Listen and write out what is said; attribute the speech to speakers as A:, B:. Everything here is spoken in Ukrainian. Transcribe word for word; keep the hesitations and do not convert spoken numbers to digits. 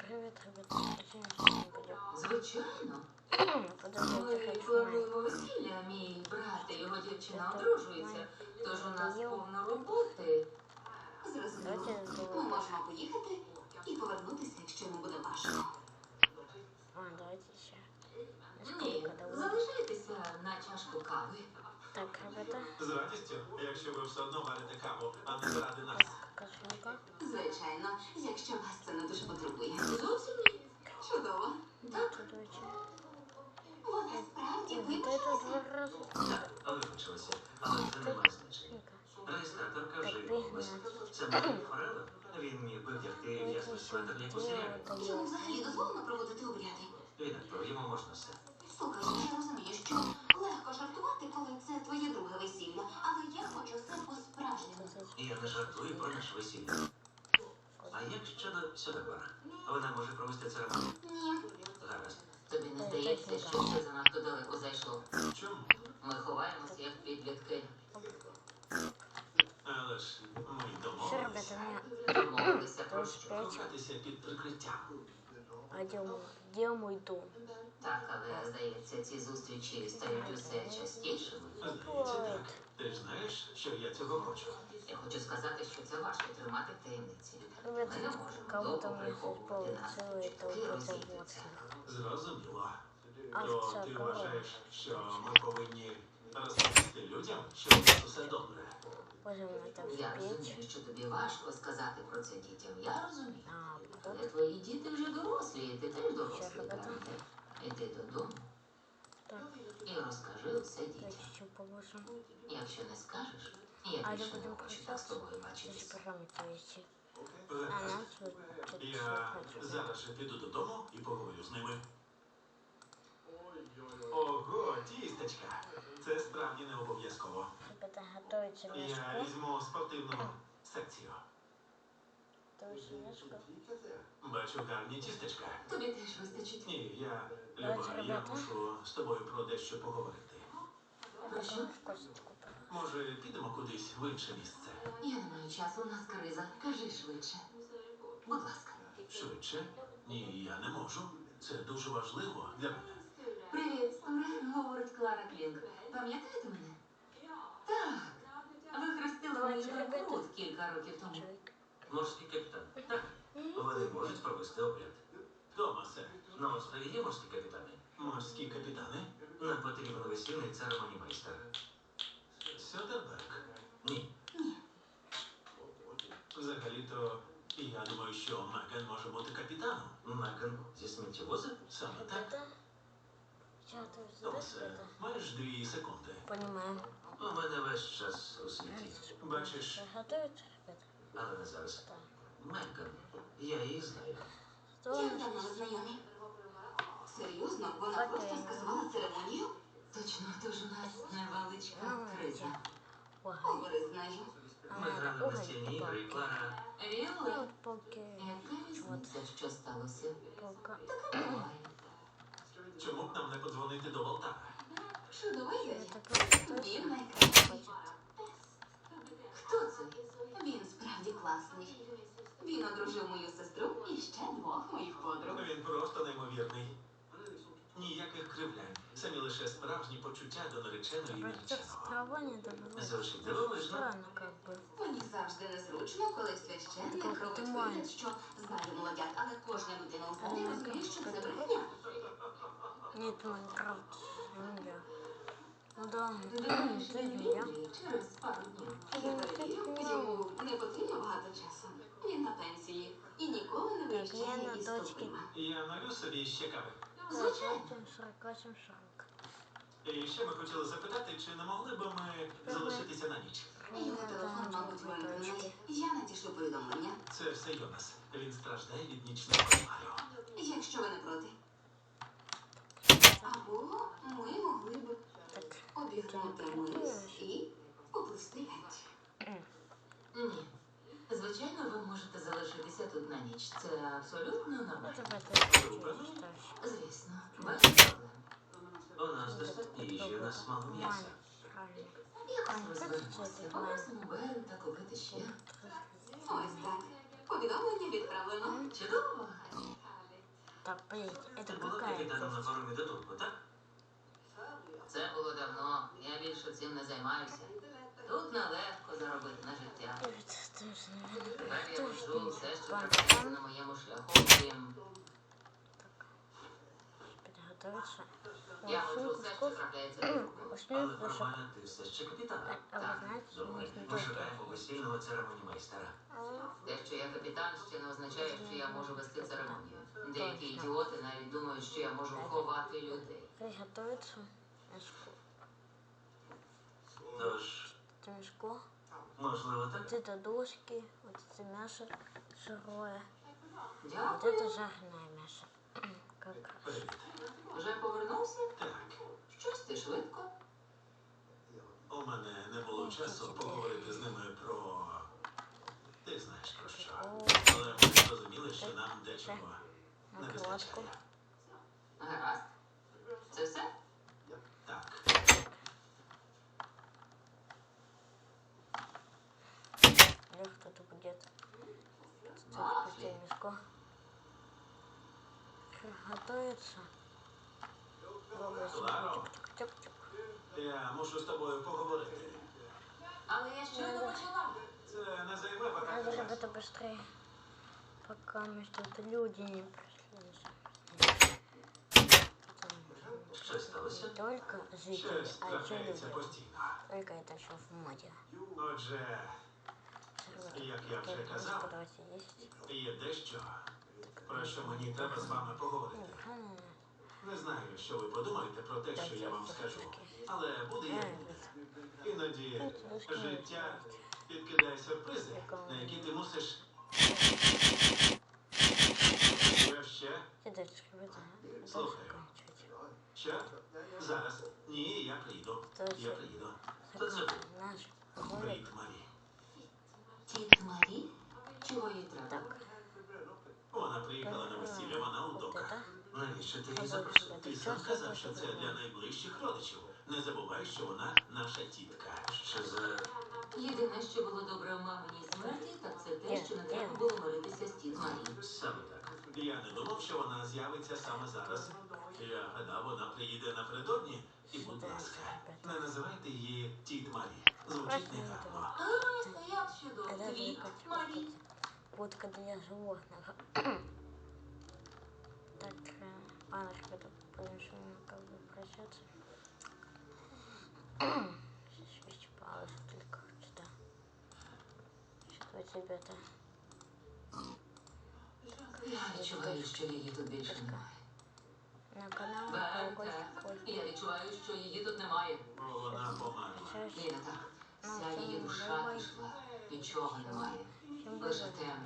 A: Привіт, ребята.
B: Звичайно.
A: Подивіться,
B: Ми
A: хочу
B: плануємо весілля, мій брат і його дівчина одружуються, тож у нас повно роботи.
C: Зрозуміло. Ми можемо поїхати і повернутися, якщо не буде важко.
A: А, давайте ще.
B: Ні, залишайтеся на чашку кави.
A: Так, ребята.
D: З радістю, якщо ви все одно варите каву, а не заради нас.
A: Кошелька.
C: Звичайно, якщо вас це не дуже потребує.
B: Зовсім ні.
C: Чудово.
B: Так,
A: Чудовичі.
C: Вона справді
A: Ой, та це
C: вибачилася.
A: два рази.
E: Так, вибачилася, але це не має значення. Реєстраторка вже його ввести. Це Марк Форелло. Він міг би вдягти ясний светр, як у серіалі.
C: Йому взагалі дозволено проводити обряди.
E: Відак, йому можна все.
C: Слухай, я розумію, що легко жартувати, коли це твоє друге весілля, але я хочу все по-справжньому.
E: І я не жартую про наше весілля. А як щодо Сьодобара? Вона може провести церемонію?
C: Ні.
E: Гаразд.
B: тобі не здається, що це занадто далеко зайшло.
D: Чому?
B: Ми ховаємося, як підлітки.
D: Але ж ми
A: Все,
D: домовилися.
A: ребята,
B: Домовилися про
A: Тож
B: що.
A: п'ять.
D: Кохатися під прикриттям.
A: А де мой, де мой дом?
B: Так, але, здається, ці зустрічі стають усе частішими.
D: Здається, так. Ти ж знаєш, що я цього хочу.
B: Я хочу сказати, що це важко тримати в таємниці. Ми не
A: Ребята,
B: можемо
A: кого
B: довго
A: там не
B: приховувати
A: получилось,
B: наші
A: это
B: чутки
A: вот это
B: розійдуться.
D: Зрозуміло.
A: А
D: То
A: це
D: ти
A: кого?
D: вважаєш, що ми повинні розповісти людям, що у нас усе добре.
A: Боже мой, там
B: Я
A: печь.
B: розумію, що тобі важко сказати про це дітям. Я розумію.
A: А,
B: Але
A: вот.
B: твої діти вже дорослі, і ти теж дорослий,
A: Що робити?
B: правда? Іди додому
A: Так,
B: і розкажи все
A: так,
B: дітям.
A: еще положим.
B: Якщо не скажеш, я
A: А я
B: більше не
A: будем
B: хочу так з тобою
A: прощаться. Здесь
B: бачитися.
A: параметры эти. А
D: Гаразд.
A: нас вот тут
D: Я
A: всё
D: зараз же піду додому і поговорю з ними. Ого, тістечка. Це справді не обов'язково.
A: Ребята, готовите
D: Я
A: мешку.
D: візьму спортивну секцію.
A: Готовите мешку.
D: Бачу гарні тістечка.
B: Тобі теж вистачить.
D: Ні, я,
A: Давайте,
D: Люба, я
A: ребята.
D: мушу з тобою про дещо поговорити.
A: А потом в косточку.
D: Може, підемо кудись в інше місце?
B: Я не маю часу, у нас криза. Кажи швидше. Будь ласка.
D: Швидше? Ні, я не можу. Це дуже важливо для мене.
B: Привіт, Стуре, говорить Клара Клінк. Пам'ятаєте мене? Так. Ви хрестили мені рекрут кілька років тому.
A: Человек.
E: Морський капітан. Так, вони можуть провести обряд.
D: Томасе,
E: На острові є морські капітани.
D: морські капітани?
E: Нам потрібен весільний церемонімейстер.
D: Сьодерберг.
E: Ні.
D: Взагалі-то, я думаю, що Меган може бути капітаном.
E: Меган зі сміттєвоза?
D: Саме так.
A: Ребята. Сейчас ты
D: Томасе,
A: ребята.
D: маєш дві секунди.
A: Понимаем.
E: У мене весь час у світі.
D: Бачиш,
A: Готовите, ребята?
E: Але не зараз.
A: Да.
E: Меган, я її знаю.
A: Что
C: Як
A: у
C: давно
A: нас?
C: ви знайомі? Серйозно? Вона
A: Окей.
C: просто скасувала церемонію?
B: Точно, тож у нас невеличка
A: Ну,
B: криза.
A: Ой,
C: Говори з нею.
A: а
E: Ми
A: надо
E: грали в
A: уголь
E: настільні ігри, і
A: палки.
E: Клара...
B: Ріли?
A: Ну, палки.
B: Яка різниця, що сталося?
A: Палка.
B: Буває.
D: чому б нам не подзвонити до Волтара?
C: Чудова ідея.
A: Это просто
C: Він найкращий.
A: хочет.
C: Хто це? Він справді класний. Він одружив мою сестру і ще двох моїх подруг.
D: Він просто неймовірний. Ніяких кривлянь. Самі лише справжні почуття до нареченої і
A: Просто
D: нареченого.
A: справа не добывает.
E: Звучить дивовижно.
A: Странно как бы.
C: Мені завжди незручно, коли священник
A: Так,
C: робить
A: ти
C: вигляд,
A: маєш.
C: що знає молодят, але кожна людина у залі
A: Ну,
C: розуміє, що це
A: как-
C: брехня.
A: Нет, Майнкрафт. Земля. Ну да,
B: Думаєш,
A: це
B: він
A: земля.
B: вільний через пару днів?
C: Я перевірю, йому не потрібно багато часу. Він на пенсії і ніколи не
A: Так,
C: виїжджає
A: я на
C: із
A: дочки.
C: стопима.
D: Я налю собі ще кави.
C: Звичайно.
A: сорок восемь сорок.
D: І ще ми хотіли запитати, чи не могли б ми залишитися на ніч?
C: Його телефон, мабуть, вимкнений. Я надішлю повідомлення.
D: Це все Йонас. Він страждає від нічного кошмару.
C: Якщо ви не проти. Або ми могли б
A: Так,
C: обігнути мис і поплисти геть.
B: Ні. Звичайно, ви можете залишитися тут на ніч. Це абсолютно
A: ну
B: нормально.
A: давай ты читаешь.
B: Звісно, без проблем.
E: У нас достатньо їжі, у нас мало м'яса.
A: Правильно.
B: Якось
A: Ань,
B: розберемося.
A: це ти
B: Попросимо Беру та купити ще.
C: Ось так. Повідомлення відправлено.
B: Чудово.
A: Так, блин,
E: Ти
A: это
E: була
A: какая
E: капітаном на
A: кость?
E: паромі до Турку, так?
B: Це було давно. Я більше цим не займаюся. Тут нелегко заробити на життя.
A: Это тоже, наверное,
B: Тепер я
A: тоже
B: вожу все, що
A: Пан-
B: трапляється на моєму шляху. Крім
A: приготовиться.
B: я
A: Ну,
B: вожу
A: сумку
B: все,
A: с
B: що
A: кофе.
B: трапляється на руку.
A: Восьмой
E: Але
A: флешек.
E: формально ти все ще капітан.
A: А вы знаете,
E: Добре,
A: нужно
E: ми
A: тоже.
E: шукаємо весільного церемонімейстера.
B: Те, що я капітан, ще не означає, що я можу вести церемонію. Деякі ідіоти навіть думають, що я можу ховати людей.
A: Приготовиться. Мешку.
E: Тож,
A: Это мешко.
E: можливо, так?
A: Вот это дошки. Вот это мясо сырое. Вот
B: Дякую.
A: это жареное мясо. Как?
E: Привіт.
B: Вже повернувся?
E: Так,
B: Щось ти швидко.
D: У мене не було часу поговорити з ними про. Ти знаєш про що.
A: О,
D: Але ми зрозуміли, що нам дечого не
A: накладку.
D: вистачає.
B: Гаразд. Це все?
D: Так.
A: Или кто-то будет.
B: Мафи.
A: Стоит мешко. Готовится.
D: Кларо,
A: Чук-чук-чук.
D: я мушу з тобою поговорити.
B: Але я щойно почала.
D: Це не займе багато
A: Надо, чтобы
D: часу.
A: это быстрее. Пока мы что-то люди не пришли.
E: Що сталося?
A: Не только жители,
D: Щось
A: а еще
D: трапляється
A: люди.
D: постійно.
A: Только это еще в моде.
D: Отже, як я вже казав,
A: Давайте есть.
D: є дещо, про що мені треба з вами поговорити.
A: Ага.
D: Не знаю, що ви подумаєте про те, що я вам скажу, але буде як буде. Іноді життя підкидає сюрпризи, на які ти мусиш. Що ще?
A: Где дальше ребята?
D: Слушай.
A: Заканчивать.
D: Що? Зараз. Ні, я приїду. Я приїду.
E: Хто це був?
A: Наш ролик.
D: Привіт, Марі.
B: Тітка Марі? Чого їй треба?
A: Так.
D: Вона приїхала на весілля, вона у
A: Вот
D: доках.
A: это.
E: Навіщо ти її
A: Або
E: запросив?
D: Ти сам казав, що це для найближчих родичів. Не забувай, що вона наша тітка.
E: Що за...
B: Єдине, що було добре в маминій смерті, так це те, що не треба було миритися з тіт Марі.
E: Саме так.
D: Я не думав, що вона з'явиться саме зараз. Я гадав, вона приїде напередодні. І, будь ласка, не називайте її тіт Марі. Звучить негарно.
B: Гаразд, а як щодо
A: А даже
B: твіт
A: как
B: Марі?
A: водка для животных. Так, э, ладно, ребята, будем с вами как бы прощаться. Сейчас исчерпалось только что. Сейчас давайте, ребята.
B: Я відчуваю, що її тут більше немає.
A: На канал
B: Бенте,
A: колокольчик.
B: я відчуваю, що її тут немає.
D: Бо вона померла.
A: Прощаюсь.
B: Ні, не так. Вся її душа пішла. Нічого немає.
A: Всем
B: Лише
A: бывает.
B: темрява.